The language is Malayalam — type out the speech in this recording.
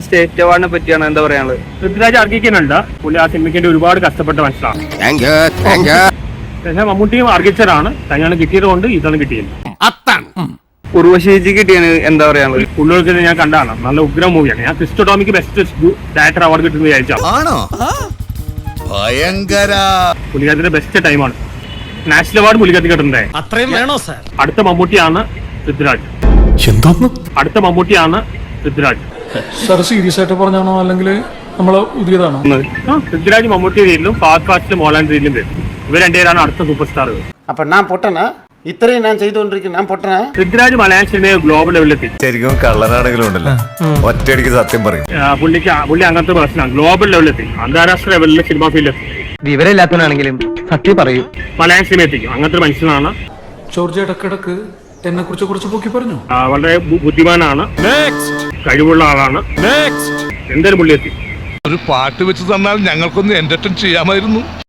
സ്റ്റേറ്റ് അവാർഡിനെ പറ്റിയാണ് എന്താ പറയാനുള്ളത്? പൃഥ്വിരാജ് അർഹിക്കുന്നുണ്ട്. പുള്ളി ആ സിനിമയ്ക്ക് വേണ്ടി ഒരുപാട് കഷ്ടപ്പെട്ട മനസ്സിലാണ്. പക്ഷേ മമ്മൂട്ടിയും അർഹിച്ചതാണ്. തന്നെയാണ് കിട്ടിയത് കൊണ്ട് ഇതാണ് കിട്ടിയത്. ഉർവശിക്ക് കിട്ടിയാണ് എന്താ പറയാനുള്ളത്? പുള്ളികൾക്ക് ഞാൻ കണ്ടാണ്. നല്ല ഉഗ്ര മൂവിയാണ്. ഞാൻ ക്രിസ്റ്റോ ടോമിക്ക് ബെസ്റ്റ് ഡയറക്ടർ അവാർഡ് കിട്ടുന്ന വിചാരിച്ചാണ്. പുള്ളിക്കാരത്തിന്റെ ബെസ്റ്റ് ടൈമാണ്. നാഷണൽ അവാർഡ് പുള്ളിക്കാരത്തി കിട്ടുന്നത്. അത്രയും വേണോ സാർ? അടുത്ത മമ്മൂട്ടിയാണ് പൃഥ്വിരാജ്. അടുത്ത മമ്മൂട്ടിയാണ് പൃഥ്വിരാജ്. സാർ സീരിയസ് ആയിട്ട് പറഞ്ഞാണോ അല്ലെങ്കിൽ നമ്മള് പുതിയതാണോ? പൃഥ്വിരാജ് മമ്മൂട്ടി രീതിയിലും ഫാസ്റ്റ് മോഹൻലാൽ രീതിയിലും വരും. ഇവർ രണ്ടുപേരാണ് അടുത്ത സൂപ്പർ സ്റ്റാറുകൾ. അപ്പൊ ഞാൻ പൊട്ടനാ? ഇത്രയും ഞാൻ ചെയ്തുകൊണ്ടിരിക്കുന്നു, ഞാൻ പൊട്ടനാ? പൃഥ്വിരാജ് മലയാള സിനിമയെ ഗ്ലോബൽ ലെവലിലെത്തി. ശരിക്കും കള്ളനാണെങ്കിലും ഉണ്ടല്ലോ, ഒറ്റയടിക്ക് സത്യം പറയും. പുള്ളി അങ്ങനത്തെ പ്രശ്നമാണ്. ഗ്ലോബൽ ലെവലിലെത്തി, അന്താരാഷ്ട്ര ലെവലിലെ സിനിമ ഫീൽഡിലെത്തി. വിവരമില്ലാത്തവനാണെങ്കിലും സത്യം പറയൂ. മലയാള സിനിമ എത്തിക്കും. അങ്ങനത്തെ ഒരു മനുഷ്യനാണ്. ജോർജ് ഇടക്കിടക്ക് എന്നെ കുറിച്ച് കുറച്ച് പൊക്കി പറഞ്ഞു. വളരെ ബുദ്ധിമാനാണ്, കഴിവുള്ള ആളാണ്. എന്തായാലും പുള്ളി എത്തി. ഒരു പാട്ട് വെച്ച് തന്നാൽ ഞങ്ങൾക്കൊന്ന് എന്റർടൈൻ ചെയ്യാമായിരുന്നു.